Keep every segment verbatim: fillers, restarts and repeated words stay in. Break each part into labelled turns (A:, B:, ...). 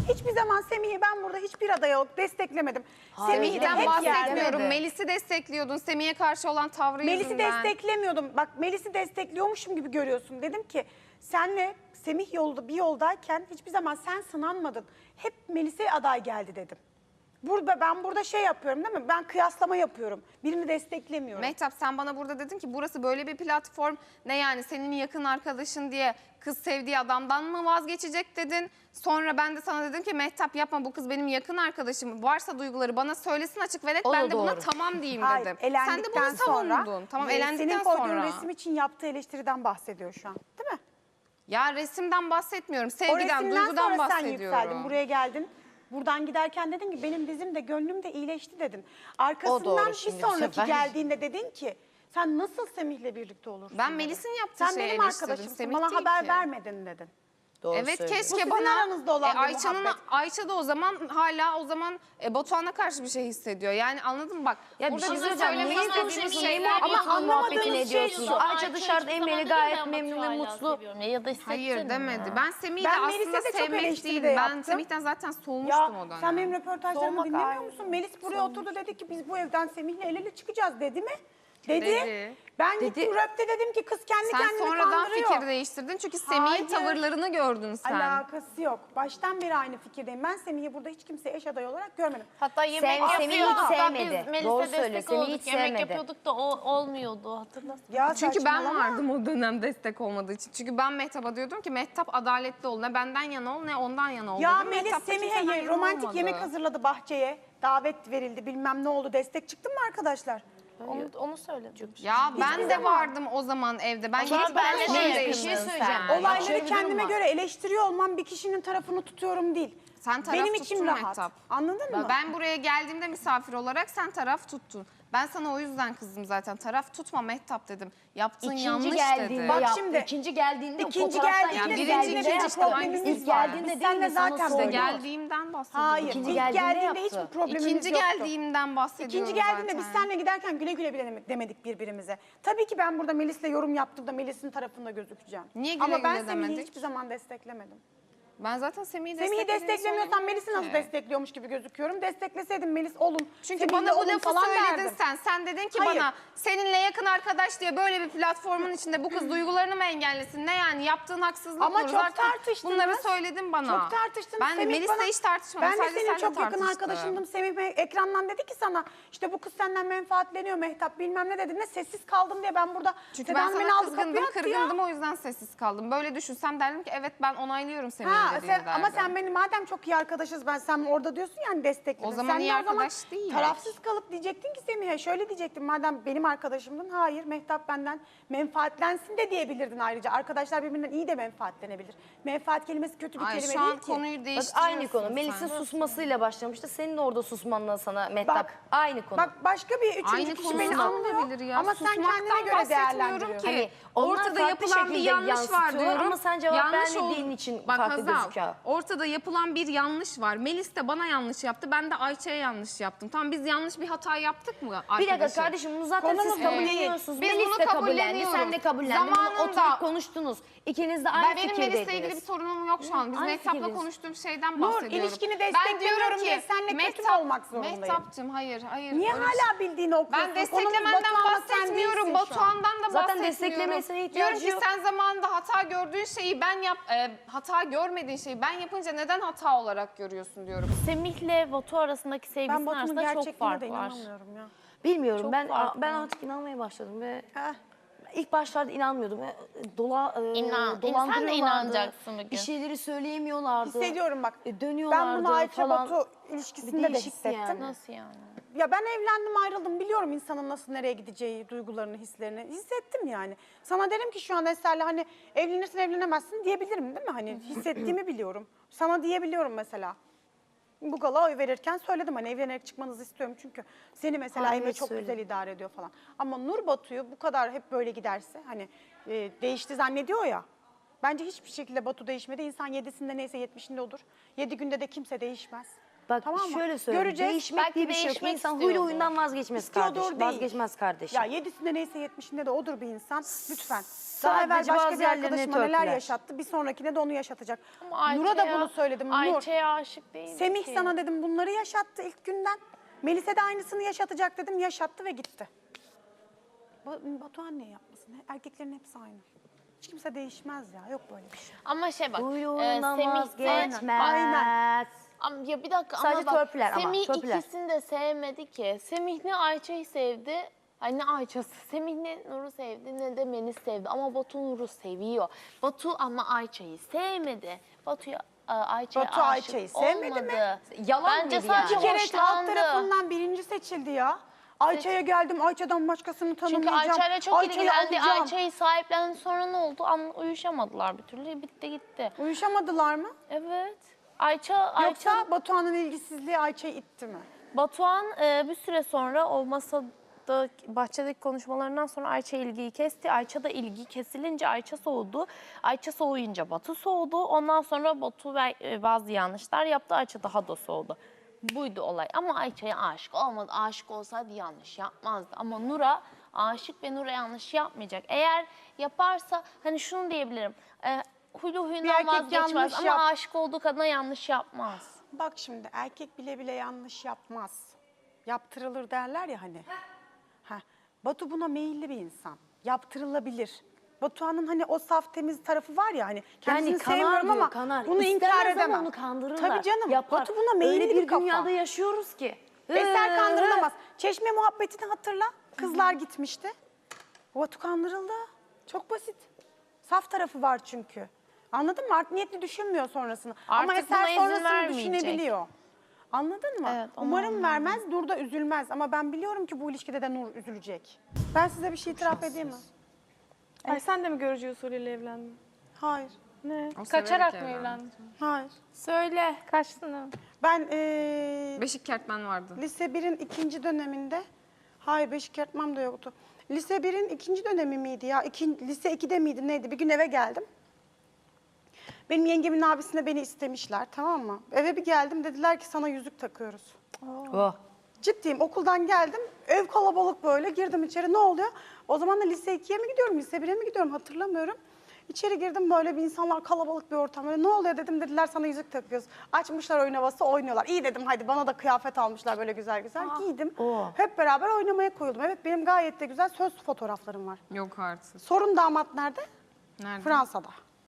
A: Hiçbir zaman Semih'i ben burada hiçbir adaya desteklemedim.
B: Semih'ten
A: hep
B: bahsetmiyorum.
A: yerde.
B: Melis'i destekliyordun. Semih'e karşı olan tavrı
A: Melis'i
B: yüzünden.
A: desteklemiyordum. Bak Melis'i destekliyormuşum gibi görüyorsun. Dedim ki senle Semih yolda bir yoldayken hiçbir zaman sen sınanmadın. Hep Melis'e aday geldi dedim. Burada ben burada şey yapıyorum değil mi? Ben kıyaslama yapıyorum. Birini desteklemiyorum.
B: Mehtap sen bana burada dedin ki burası böyle bir platform. Ne yani senin yakın arkadaşın diye kız sevdiği adamdan mı vazgeçecek dedin. Sonra ben de sana dedim ki Mehtap yapma bu kız benim yakın arkadaşım. Varsa duyguları bana söylesin açık ve net
C: O da
B: ben de buna
C: doğru.
B: tamam diyeyim
A: Hayır,
B: dedim. Sen de
A: elendikten
B: bunu
A: sonra,
B: savundun. Tamam
A: e,
B: elendikten
A: senin koyduğun
B: sonra.
A: resim için yaptığı eleştiriden bahsediyor şu an. Değil mi?
B: Ya resimden bahsetmiyorum.
A: O
B: Sevgiden,
A: resimden
B: duygudan
A: sonra sen
B: bahsediyorum.
A: yükseldin. Buraya geldin. Buradan giderken dedin ki benim dizim de gönlüm de iyileşti dedin. Arkasından
C: doğru
A: bir
C: şimdi bu
A: sonraki
C: sefer.
A: geldiğinde dedin ki sen nasıl Semih'le birlikte olursun?
B: Ben
A: dedin.
B: Melis'in yaptığı
A: Sen
B: şeyi
A: benim
B: eleştirdim,
A: arkadaşımsın
B: Semih
A: bana
B: değil
A: haber
B: ki.
A: vermedin dedin.
C: Doğru
B: Evet
C: söylüyor.
A: Bu
B: keşke
A: sizin
B: bana
A: aranızda olan bir
B: Ayça'nın
A: muhabbet.
B: Ayça da o zaman hala o zaman e, Batuhan'a karşı bir şey hissediyor. Yani anladın mı bak?
C: Ya bir
B: burada
C: şey
B: bizim
C: söyleyeceğim.
B: söylemek
C: Neyi
B: istediğimiz
C: konuşuyorsun?
B: şeyler
C: Neyi
A: Ama
C: muhabbetini
A: anlamadığınız
C: muhabbetini
A: şey
C: ediyorsun?
A: şu,
C: Ayça dışarıda Emre'yle gayet memnun ve mutlu.
D: Ya da
B: Hayır demedi. Ben Semih'i de
A: Ben
B: aslında
A: Melis'e de çok
B: sevmek
A: eleştiri
B: değil.
A: de
B: Ben
A: yaptım.
B: Semih'ten zaten soğumuştum
A: Ya
B: o dönem.
A: sen benim röportajlarımı
C: Soğumak
A: dinlemiyor
C: ayrı.
A: musun? Melis buraya oturdu dedi ki biz bu evden Semih'le el ele çıkacağız dedi mi? Dedi.
B: Dedi.
A: Ben
C: Dedi.
A: gittim röpte dedim ki kız kendi
B: Sen
A: kendini
B: sonradan
A: kandırıyor.
B: fikir değiştirdin çünkü Semih'in
A: Hayır.
B: tavırlarını gördün sen.
A: Alakası yok. Baştan beri aynı fikirdeyim. Ben Semih'i burada hiç kimseye eş adayı olarak görmedim.
D: Hatta yemek
C: Sem- Semih'i
D: yapıyorduk
C: hiç
D: da
C: sevmedi.
D: biz Melis'e
C: Doğru
D: destek
C: söylüyor, Semih'i
D: olduk.
C: hiç
D: Yemek
C: sevmedi.
D: yapıyorduk da o olmuyordu hatırlasın.
A: Ya
B: Çünkü ben
A: saçmalama.
B: vardım o dönem destek olmadığı için. Çünkü ben Mehtap'a diyordum ki Mehtap adaletli ol. Ne benden yana ol ne ondan yana ol.
A: Ya
B: dedim.
A: Melis
B: Mehtap da kimseden
A: Semih'e
B: yana
A: romantik
B: olmadı.
A: yemek hazırladı bahçeye. Davet verildi bilmem ne oldu. Destek çıktı mı arkadaşlar?
D: Onu, onu söyledim.
B: Ya ben
A: Hiçbir
B: de
A: zaman.
B: vardım o zaman evde. Ben
D: zaman
B: gitmeden
D: benle
B: sonra
D: de
B: değiştin
D: yakındın
C: Bir şey söyleyeceğim.
B: sen.
A: Olayları
C: şöyle bir durum
A: kendime
C: var.
A: göre eleştiriyor olmam bir kişinin tarafını tutuyorum değil.
B: Sen taraf
A: Benim
B: tuttun
A: içim rahat.
B: Mehtap.
A: Anladın mı?
B: Ben buraya geldiğimde misafir olarak sen taraf tuttun. Ben sana o yüzden kızdım zaten. Taraf tutma Mehtap dedim. Yaptığın
C: İkinci
B: yanlış
C: geldiğinde
B: dedi.
A: Bak
C: yaptı.
A: şimdi,
C: İkinci geldiğinde o
A: İkinci
C: fotoğraftan
A: geldiğinde
B: Yani
C: ikinci
B: birinci,
A: seninle
C: geldiğinde
B: ikinci
A: bir
C: yaptı.
A: problemimiz
C: İlk
A: var.
C: geldiğinde
A: Biz
C: değil
A: seninle
C: mi? Sana
A: zaten
B: İşte
C: söylüyor.
B: geldiğimden bahsediyorum
A: Hayır.
C: İkinci
A: İlk
C: geldiğinde
A: geldiğinde
C: yaptı.
A: hiçbir problemimiz
B: İkinci
A: yoktu.
B: geldiğimden bahsediyorum
A: İkinci geldiğinde
B: zaten.
A: biz seninle giderken güle güle bile demedik birbirimize. Tabii ki ben burada Melis'le yorum yaptığımda Melis'in tarafında gözükeceğim.
B: Niye güle
A: Ama ben
B: güle
A: Semih'i
B: demedik?
A: hiçbir zaman desteklemedim.
B: Ben zaten Semih'i
A: Semih'i
B: desteklediğini
A: desteklemiyorsan Melis'i nasıl
B: söyledim ki.
A: destekliyormuş gibi gözüküyorum. Destekleseydim Melis olun.
B: Çünkü
A: Semih'le
B: bana bu
A: olun
B: lafı
A: falan
B: söyledin
A: derdim.
B: sen. Sen dedin ki
A: Hayır.
B: bana seninle yakın arkadaş diye böyle bir platformun içinde bu kız duygularını mı engellesin? Ne yani yaptığın haksızlık
A: Ama
B: olur.
A: çok
B: Zaten
A: tartıştınız.
B: bunları söyledin bana.
A: Çok tartıştınız.
B: Ben
A: Semih
B: Melis'le
A: bana-
B: hiç tartışmadım.
A: Ben de
B: Sadece
A: senin
B: seninle
A: çok yakın
B: tartıştım.
A: arkadaşındım. Semih Bey ekrandan dedi ki sana işte bu kız senden menfaatleniyor Mehtap bilmem ne dedi. Ne sessiz kaldım diye ben burada
B: Çünkü
A: Sedan
B: ben
A: beni
B: sana
A: aldı kapıya
B: kızgındım,
A: attı ya.
B: kırgındım o yüzden sessiz kaldım. Böyle düşünsem derdim ki evet ben onaylıyorum Semih'in
A: Ha,
B: dediğini
A: sen, ama
B: derdim.
A: sen benim madem çok iyi arkadaşız ben sen orada diyorsun yani destekledin.
B: O zaman
A: sen
B: iyi
A: de o
B: arkadaş değil.
A: Tarafsız kalıp diyecektin ki Semih'e şöyle diyecektin madem benim arkadaşımdın hayır Mehtap benden menfaatlensin de diyebilirdin ayrıca. Arkadaşlar birbirinden iyi de menfaatlenebilir. Menfaat kelimesi kötü bir
B: Ay,
A: kelime
B: şu
A: değil
B: an
A: ki.
B: konuyu
C: Bak
B: değiştiriyorsun
C: aynı konu.
B: sen.
C: Melis'in susmasıyla başlamıştı. Senin de orada susmanla sana Mehtap.
A: Bak,
C: aynı konu.
A: Bak başka bir üçüncü
B: Aynı
A: kişi
B: konu
A: beni
B: olabilir
A: anlıyor
B: ya.
A: ama sen
B: Susmaktan
A: kendine göre
B: bahsetmiyorum
A: değerlendiriyorsun.
B: ki.
C: Hani onlar
B: Ortada
C: farklı
B: yapılan bir
C: şekilde
B: yanlış var
C: yansıtıyorlar
B: diyorum.
C: ama sen cevap
B: Yanlış
C: vermediğin
B: ol-
C: için
B: Bak
C: farklı
B: Hazal,
C: gözüküyor.
B: ortada yapılan bir yanlış var. Melis de bana yanlış yaptı. Ben de Ayça'ya yanlış yaptım. Tamam biz yanlış bir hata yaptık mı
C: Bir
B: arkadaşım?
C: dakika kardeşim bunu zaten
A: Konumuz
C: siz
A: bu
C: kabulleniyorsunuz.
B: değil. Biz
C: Melis
B: bunu
C: de kabullendi,
B: kabulleniyoruz.
C: sen de kabullendin. Bunu
B: Zamanında-
C: oturup konuştunuz. İkiniz de aynı
B: Ben benim
C: fikirdeydiniz.
B: Melis'le ilgili bir sorunum yok şu an. Biz
C: Aynı
B: Mehtap'la
C: fikirdeyiz.
B: konuştuğum şeyden
A: Nur,
B: bahsediyorum.
A: ilişkini
B: Ben
A: desteklemiyorum
B: diyorum ki,
A: diye seninle kötü mü
B: Mehtap-
A: olmak zorundayım?
B: Mehtap'cığım hayır hayır.
A: Niye
B: öyle bir şey-
A: hala bildiğini okuyorsun?
B: Ben
A: Konumuz
B: desteklemenden
A: Batuhan'la sen
B: bahsetmiyorum.
A: değilsin şu an.
B: Batuhan'dan da
C: Zaten
B: bahsetmiyorum.
C: desteklemesine ihtiyacı
B: Diyorum ki
C: yok.
B: sen zamanında hata gördüğün şeyi ben yap, e, hata görmediğin şeyi ben yapınca neden hata olarak görüyorsun diyorum.
D: Semih'le Batu arasındaki
A: Ben
D: sevgisinin
A: Batu'nun
D: arasında çok
A: gerçekliğine
D: fark
A: de
D: var.
A: inanamıyorum ya.
C: Bilmiyorum
D: Çok
C: ben
D: farklı.
C: ben artık inanmaya başladım ve
A: Heh.
C: ilk başlarda inanmıyordum. E, Dola, e,
D: İnan- sen de
C: dolandırıyorlardı.
D: inanacaksın bugün.
C: Bir şeyleri söyleyemiyorlardı.
A: Hissediyorum bak.
C: E, dönüyorlardı
A: Ben bunu Ayça
C: falan.
A: Batu
C: Bir
A: ilişkisinde de
C: değişikti
A: hissettim.
C: yani.
D: Nasıl yani?
A: Ya ben evlendim ayrıldım biliyorum insanın nasıl nereye gideceği, duygularını, hislerini hissettim yani. Sana derim ki şu an Eser'le hani evlenirsin evlenemezsin diyebilirim değil mi? Hani hissettiğimi biliyorum. Sana diyebiliyorum mesela. Bu gala oy verirken söyledim hani evlenerek çıkmanızı istiyorum çünkü seni mesela
C: Ha,
A: Emre
C: evet,
A: çok
C: söyledim.
A: güzel idare ediyor falan. Ama Nur Batu'yu bu kadar hep böyle giderse hani e, değişti zannediyor ya. Bence hiçbir şekilde Batu değişmedi. İnsan yedisinde neyse yetmişinde olur. Yedi günde de kimse değişmez.
C: Bak
A: Tamam mı?
C: şöyle söyleyeyim.
A: Göreceğiz.
C: Değişmek
D: Belki
C: diye bir şey yok.
D: değişmek
C: İnsan
D: istiyordur.
C: huylu huyundan vazgeçmez
A: İstiyordur
C: kardeşim.
A: değil.
C: Vazgeçmez kardeşim.
A: Ya yedisinde neyse yetmişinde de odur bir insan. Lütfen. Daha
C: Sadece
A: evvel başka
C: bazı
A: bir
C: yerlerine
A: arkadaşıma neler
C: törpüler.
A: yaşattı. Bir sonrakine de onu yaşatacak.
D: Ama
A: Nur'a da
D: Ayça'ya-
A: bunu söyledim. Nur.
D: Ayça'ya aşık değil
A: Semih
D: ki.
A: sana dedim bunları yaşattı ilk günden. Melise de aynısını yaşatacak dedim. Yaşattı ve gitti. Ba- Batuhan niye yapmasın? Erkeklerin hepsi aynı. Hiç kimse değişmez ya. Yok böyle bir şey.
D: Ama şey bak,
C: Huylu
D: e,
C: huyundan
D: Semih de...
C: vazgeçmez.
A: Aynen.
D: Ama ya bir dakika
C: Sadece
D: ama bak,
C: törpüler ama,
D: Semih
C: törpüler.
D: ikisini de sevmedi ki. Semih ne Ayça'yı sevdi, ay ne Ayça'sı. Semih ne Nur'u sevdi ne de Melis sevdi. Ama Batu Nur'u seviyor. Batu ama Ayça'yı sevmedi. Batu'ya e, Ayça'ya
A: Batu
D: aşık
A: Ayça'yı sevmedi
D: olmadı.
A: mi?
C: Yalan
D: Bence
C: mıydı
D: sadece
C: yani?
A: Bir kere halk
D: hoşlandı.
A: tarafından birinci seçildi ya. Ayça'ya geldim. Ayça'dan başkasını
D: Çünkü
A: tanımayacağım.
D: Ayça'yla çok
A: Ayça'yı
D: ilgilendi.
A: alacağım.
D: Ayça'yı sahiplendi, sonra ne oldu? An uyuşamadılar bir türlü. Bitti gitti.
A: Uyuşamadılar mı?
D: Evet. Ayça, Ayça
A: Yoksa Batuhan'ın ilgisizliği Ayça'yı itti mi?
D: Batuhan e, bir süre sonra o masada bahçedeki konuşmalarından sonra Ayça ilgiyi kesti. Ayça da ilgi kesilince Ayça soğudu. Ayça soğuyunca Batu soğudu. Ondan sonra Batu ve e, bazı yanlışlar yaptı. Ayça daha da soğudu. Buydu olay. Ama Ayça'ya aşık olmadı. Aşık olsaydı yanlış yapmazdı. Ama Nur'a aşık ve Nur'a yanlış yapmayacak. Eğer yaparsa hani şunu diyebilirim. E, huylu
A: Bir
D: huyundan
A: erkek
D: vazgeçmez
A: yanlış
D: ama
A: yap-
D: aşık olduğu kadına yanlış yapmaz.
A: Bak şimdi erkek bile bile yanlış yapmaz. Yaptırılır derler ya hani. Ha. Batu buna meyilli bir insan. Yaptırılabilir. Batuhan'ın hani o saf temiz tarafı var ya hani kendisini
C: Yani kanar
A: sevmiyorum
C: diyor,
A: ama
C: kanar.
A: bunu
C: İstemez
A: inkar
C: ama
A: edemem.
C: onu kandırırlar.
A: Tabii canım.
C: Yapar.
A: Batu buna meyilli
C: Öyle
A: bir,
C: bir
A: kafa.
C: dünyada yaşıyoruz ki.
A: Eser kandırılamaz. Çeşme muhabbetini hatırla. Kızlar gitmişti. Batu kandırıldı. Çok basit. Saf tarafı var çünkü. Anladın mı? Art niyetli düşünmüyor sonrasını. Ama
D: Artık
A: Eser
D: buna izin
A: sonrasını
D: vermeyecek.
A: düşünebiliyor. Anladın mı?
D: Evet, onu
A: Umarım vermez, Nur da üzülmez. Ama ben biliyorum ki bu ilişkide de Nur üzülecek. Ben size bir şey itiraf edeyim mi?
E: Ay sen de mi görücü usulüyle evlendin?
A: Hayır.
E: Ne?
B: O
E: Kaçarak
B: severek
E: mı
B: evlendi.
E: evlendin?
A: Hayır.
E: Söyle. Kaçtın mı?
A: Ben eee
B: Beşik kertmen vardı.
A: lise birin ikinci döneminde, hayır Beşik Yatmam da yoktu. Lise birin ikinci dönemi miydi ya? İkin, lise ikide miydi neydi? Bir gün eve geldim. Benim yengemin abisine beni istemişler, tamam mı? Eve bir geldim, dediler ki sana yüzük takıyoruz.
C: Oh.
A: Ciddiyim, okuldan geldim, ev kalabalık böyle, girdim içeri, ne oluyor? O zaman da lise ikiye mi gidiyorum, lise bire mi gidiyorum hatırlamıyorum. İçeri girdim, böyle bir insanlar, kalabalık bir ortam. Böyle, ne oluyor dedim, dediler sana yüzük takıyoruz. Açmışlar oyun havası, oynuyorlar. İyi dedim, hadi bana da kıyafet almışlar böyle güzel güzel. Giydim.
C: Oo.
A: Hep beraber oynamaya koyuldum. Evet, benim gayet de güzel söz fotoğraflarım var.
B: Yok artık.
A: Sorun damat nerede?
B: Nerede?
A: Fransa'da.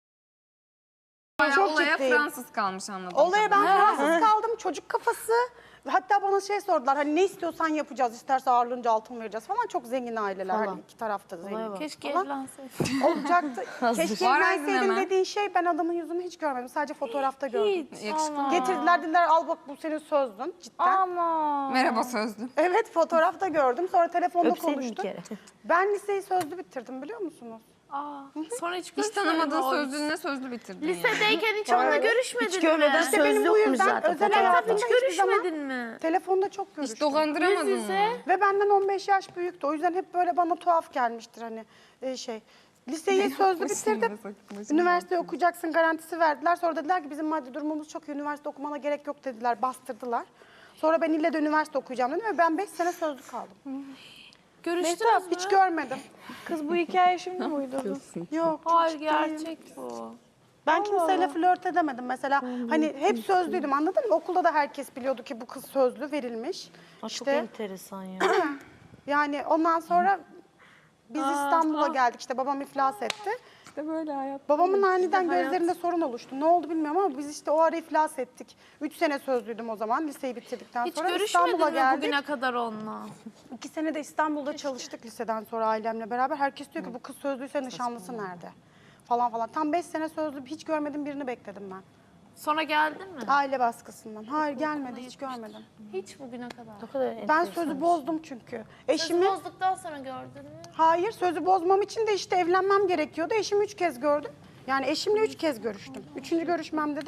B: Bayağı
A: Çok
B: olaya
A: ciddiyim.
B: Fransız kalmış anladım.
A: Olaya ben Fransız kaldım, çocuk kafası. Hatta bana şey sordular, hani ne istiyorsan yapacağız, isterse ağırlığınca altın vereceğiz falan. Çok zengin aileler,
C: Falan.
A: hani iki tarafta zengin.
C: bak.
D: Keşke
A: Falan.
D: evlenseydin.
A: Olacaktı. Keşke
B: Var
A: evlenseydin
B: hemen.
A: dediğin şey, ben adamın yüzünü hiç görmedim. Sadece fotoğrafta gördüm.
B: Yakışıklı mı?
A: Getirdiler, dediler al bak bu senin sözdün cidden.
E: Ama.
B: Merhaba sözlü.
A: Evet, fotoğrafta gördüm. Sonra telefonda
C: Öpseydin bir
A: konuştuk.
C: kere.
A: Ben liseyi sözlü bitirdim, biliyor musunuz?
D: Aa, sonra hiç
B: Hiç
D: görüşmedin
B: tanımadığın
D: mi o
B: sözlü ne sözlü bitirdin yani.
D: Lisedeyken hiç onunla görüşmedin
C: Hiç görmeden
D: mi?
A: İşte benim
C: söz
A: bu
C: yokmuş
A: yüzden
C: zaten.
A: özel
C: fotoğrafta.
A: hayatımda
D: Hiç
A: hiçbir zaman
D: görüşmedin mi?
A: telefonda çok görüştüm.
B: Hiç dolandıramadın
D: Yüz yüze.
B: mı?
A: Ve benden on beş yaş büyüktü. O yüzden hep böyle bana tuhaf gelmiştir hani e, şey. Liseyi sözlü bitirdim. Üniversite okuyacaksın garantisi verdiler. Sonra dediler ki bizim maddi durumumuz çok iyi. Üniversite okumana gerek yok dediler. Bastırdılar. Sonra ben ille de üniversite okuyacağım dedim ve ben beş sene sözlü kaldım.
D: Görüştünüz mü?
A: Hiç görmedim.
E: Kız bu hikaye şimdi mi uydurdun?
A: Yok. çok
D: Hayır
A: ciddiyim.
D: gerçek bu.
A: Ben kimseyle flört edemedim mesela. Hani hep sözlüydüm, anladın mı? Okulda da herkes biliyordu ki bu kız sözlü verilmiş.
C: Aa, Çok
A: İşte
C: enteresan ya.
A: yani ondan sonra biz İstanbul'a geldik. İşte babam iflas etti.
E: İşte böyle hayat.
A: Babamın aniden gözlerinde sorun oluştu. Ne oldu bilmiyorum ama biz işte o ara iflas ettik. Üç sene sözlüydüm o zaman liseyi bitirdikten
D: Hiç
A: sonra.
D: görüşmedin
A: İstanbul'a
D: mi
A: geldik.
D: bugüne kadar onunla?
A: İki sene de İstanbul'da çalıştık liseden sonra ailemle beraber. Herkes diyor ki bu kız sözlüyse nişanlısı nerede? Falan falan. Tam beş sene sözlü hiç görmedim birini bekledim ben.
D: Sonra geldin mi?
A: Aile baskısından. Hayır gelmedi hiç görmedim.
D: Hiç bugüne kadar.
C: Ne kadar
A: Ben
C: enteresan.
A: sözü bozdum çünkü.
D: Sözü
A: Eşimi
D: bozduktan sonra gördün mü?
A: hayır sözü bozmam için de işte evlenmem gerekiyordu. Eşimi üç kez gördüm. Yani eşimle üç kez görüştüm. Üçüncü görüşmemde de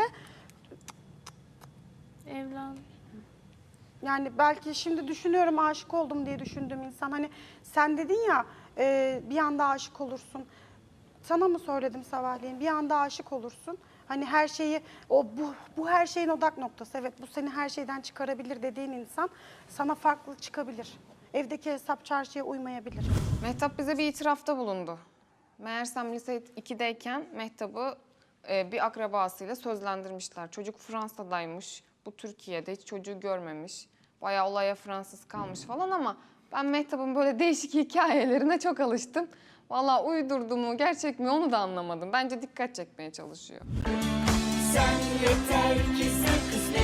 D: Evlen.
A: yani belki şimdi düşünüyorum aşık oldum diye düşündüğüm insan. Hani sen dedin ya e, bir anda aşık olursun. Sana mı söyledim sabahleyin? Bir anda aşık olursun. hani her şeyi, o bu, bu her şeyin odak noktası. Evet, bu seni her şeyden çıkarabilir dediğin insan sana farklı çıkabilir. Evdeki hesap çarşıya uymayabilir.
B: Mehtap bize bir itirafta bulundu. Meğersem lise ikideyken Mehtap'ı e, bir akrabasıyla sözlendirmişler. Çocuk Fransa'daymış, bu Türkiye'de hiç çocuğu görmemiş. Bayağı olaya Fransız kalmış falan ama ben Mehtap'ın böyle değişik hikayelerine çok alıştım. Vallahi uydurdu mu, gerçek mi onu da anlamadım. Bence dikkat çekmeye çalışıyor.
F: Sen yeter ki sen kısmet.